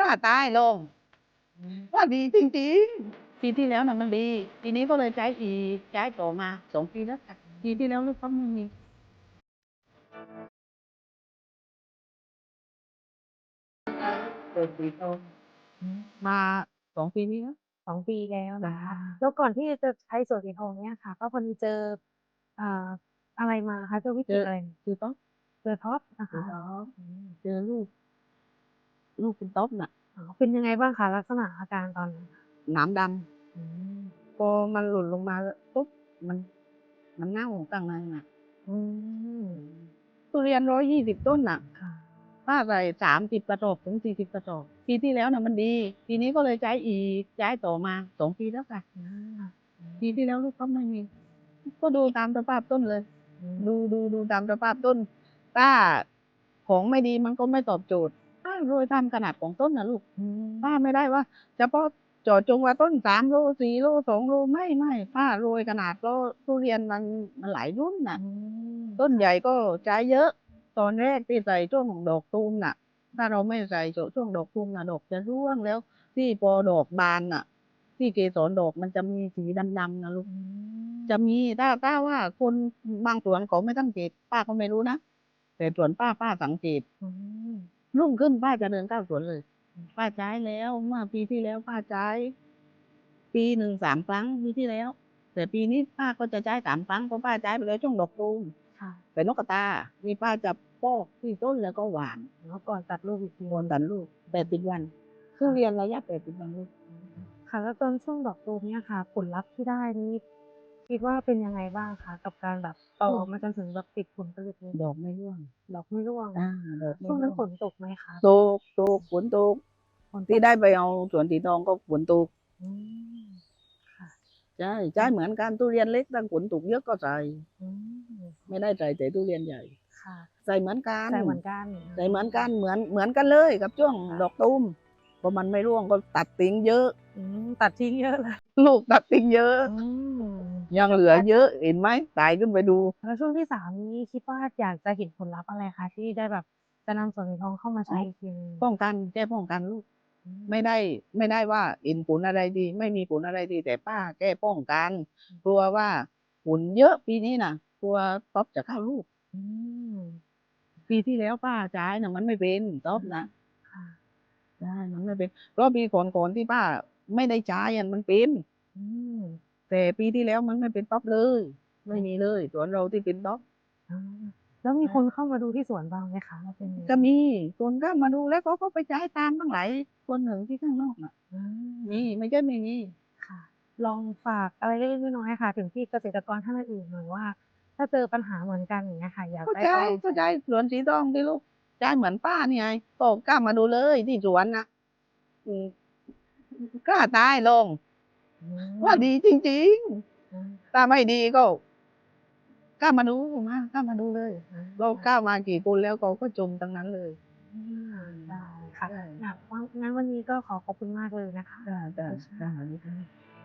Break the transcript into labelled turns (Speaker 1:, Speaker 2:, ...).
Speaker 1: ล้าตายลงว่าดีจริงๆปีที่แล้วน่ะมันดีปีนี้ก็เลยใช้อีกใช้ต่อมา2 ปีแล้วค่ะปีที่แล้วลูกก็ไม่มีเปิดสีทองมา2 ปีนี้แล้ว
Speaker 2: 2 ปีแล้ว
Speaker 1: จ้า
Speaker 2: นะคะแล้วก่อนที่จะใช้สวนสีทองเนี่ยค่ะก็พอดีเจออ่าอะไรมาคะเจอวิ
Speaker 1: เจอ
Speaker 2: กฤตอะไร
Speaker 1: ต๊อก
Speaker 2: เจอท็อปนะ
Speaker 1: เจอ
Speaker 2: คะ
Speaker 1: ต๊อกเจอลูกเป็นต๊อกน่ะ
Speaker 2: อ๋อเป็นยังไงบ้างคะลักษณะอาการตอนนั้น
Speaker 1: หนามด
Speaker 2: อืม
Speaker 1: ำพอมันหล่นลงมาปุ๊บมันเน่าข้างในน่ะ
Speaker 2: อืม
Speaker 1: ทุเรียน120 ต้นน่ะ
Speaker 2: ค่ะ
Speaker 1: ป้าใส่30 กระสอบถึง40 กระสอบปีที่แล้วน่ะมันดีปีนี้ก็เลยใช้อีกใช้ต่อมา2 ปีแล้วค่ะ
Speaker 2: อา
Speaker 1: ปีที่แล้วลูกก็ไม่มีก็ดูตามสภาพต้นเลย
Speaker 2: อืม
Speaker 1: ดูตามสภาพต้นถ้าของไม่ดีมันก็ไม่ตอบโจทย์ป้าโรยตามขนาดของต้นนะลูก
Speaker 2: อืม
Speaker 1: ป้าไม่ได้ว่าเฉพาะเจาะจงว่าต้น3 โล 4 โล 2 โลไม่ป้าโรยขนาดก็ทุเรียนมันหลายรุ่นน่ะ
Speaker 2: อืม
Speaker 1: ต้นใหญ่ก็ใช้เยอะตอนแรกที่ใส่ช่วงดอกตูมน่ะถ้าเราไม่ใส่ช่วงดอกตูมน่ะดอกจะร่วงแล้วที่พอดอกบานน่ะที่เกสรดอกมันจะมีสีดำๆนะลูก
Speaker 2: อืม
Speaker 1: จะมีถ้าว่าคนบางสวนเขาไม่สังเกตป้าก็ไม่รู้นะแต่สวนป้าสังเกต
Speaker 2: อืม
Speaker 1: รุ่งขึ้นป้าจะเดินเข้าสวนเลยป้าใช้แล้วเมื่อปีที่แล้วป้าใช้ปีหนึ่ง3 ครั้งปีที่แล้วแต่ปีนี้ป้าก็จะใช้3 ครั้งเพราะป้าใช้ไปแล้วช่วงดอกตูม
Speaker 2: ค่ะ
Speaker 1: แต่นกกระตานี่ป้าจะปอกที่ต้นแล้วก็หวาน
Speaker 2: แล้วก่อนตัดลูกอีกที
Speaker 1: โอนตัดลูก80 วันทุ
Speaker 2: ค่ะ
Speaker 1: เรียนระยะ80 วันลูก
Speaker 2: ค่ะแล้วตอนช่วงดอกตูมเนี่ยค่ะผลลัพธ์ที่ได้นี่คิดว่าเป็นยังไงบ้างคะกับการแบบโตมาจนถึงแบบติดผลผลิตนี้
Speaker 1: ดอกไม่ร่วง
Speaker 2: ดอกไม่ร่วง
Speaker 1: อาดอก
Speaker 2: ช่วงนั้น
Speaker 1: ไม่ร่วง
Speaker 2: ฝนตกไหมคะ
Speaker 1: ตกฝนตก
Speaker 2: ฝนต
Speaker 1: ที่
Speaker 2: ก
Speaker 1: ได้ไปเอาสวนสีทองก็ฝนตก
Speaker 2: อืมค่ะ
Speaker 1: ใช่เหมือนกันทุเรียนเล็กถ้าฝนตกเยอะก็ใส่
Speaker 2: อืม
Speaker 1: ไม่ได้ใส่แต่ทุเรียนใหญ่
Speaker 2: ค่ะ
Speaker 1: ใส่เหมือนกัน
Speaker 2: ใส่เหมือนกัน
Speaker 1: ใส่เหมือนกันเหมือนกันเลยกับช่วงดอกตูมพอมันไม่ร่วงก็ตัดทิ้งเยอะ
Speaker 2: ตัดทิ้งเยอะเลย
Speaker 1: ลูกตัดทิ้งเยอะ
Speaker 2: อืม
Speaker 1: ยังเหลือเยอะเห็นไหมตายขึ้นไปดู
Speaker 2: แล้วช่วงที่3นี้คิดว่าอยากจะเห็นผลลัพธ์อะไรคะที่ได้แบบจะนำสวนสีทองเข้ามา
Speaker 1: อ๋อ
Speaker 2: ใช้อีกทีหนึ่ง
Speaker 1: แก้ป้องกันลูก
Speaker 2: อืม
Speaker 1: ไม่ได้ว่าเห็นผลอะไรดีไม่มีผลอะไรดีแต่ป้าแก้ป้องกันกลัวว่าฝุ่นเยอะปีนี้น่ะกลัวต๊อบจะเข้าลูก
Speaker 2: อืม
Speaker 1: ปีที่แล้วป้าใช้น่ะมันไม่เป็นต๊อบนะ
Speaker 2: ค่ะ
Speaker 1: ใช่มันไม่เป็นเพราะปีก่อนๆที่ป้าไม่ได้ใช้อะมันเป็น
Speaker 2: อืม
Speaker 1: แต่ปีที่แล้วมันไม่เป็นต๊อบเลยไม่มีเลยสวนเราที่เป็นต๊อบ
Speaker 2: อาแล้วมีคนเข้ามาดูที่สวนบ้างไหมคะว่าเป็นยังไง
Speaker 1: ก็มีคนก็มาดูแล้วเขาก็ไปใช้ตามตั้งหลายคนหนึ่งที่ข้างนอกน่ะ
Speaker 2: อา
Speaker 1: มีไม่ใช่ไม่มี
Speaker 2: ค่ะลองฝากอะไรเล็กๆน้อยๆค่ะถึงที่เกษตรกรท่านอื่นๆหน่อยว่าถ้าเจอปัญหาเหมือนกันอย่างเงี้ยค่ะอยาก
Speaker 1: ก็ใช่
Speaker 2: ได้เอาลอง
Speaker 1: ก็ใช่สวนสีทองที่ลูกใช่เหมือนป้านี่ไงก็กล้ามาดูเลยที่สวนน่ะอืมกล้าตายลง
Speaker 2: อื
Speaker 1: ว่า
Speaker 2: ม
Speaker 1: ดีจริง
Speaker 2: อา
Speaker 1: ๆถ้าไม่ดีก็กล้ามาดูกล้ามาดูเลยเรา
Speaker 2: อา
Speaker 1: กล้ามากี่คนแล้วเขาก็ชมทั้งนั้นเลย
Speaker 2: ได้ค่ะ
Speaker 1: ใช่
Speaker 2: งั้นวันนี้ก็ขอขอบคุณมากเลยนะคะ
Speaker 1: จ้ะ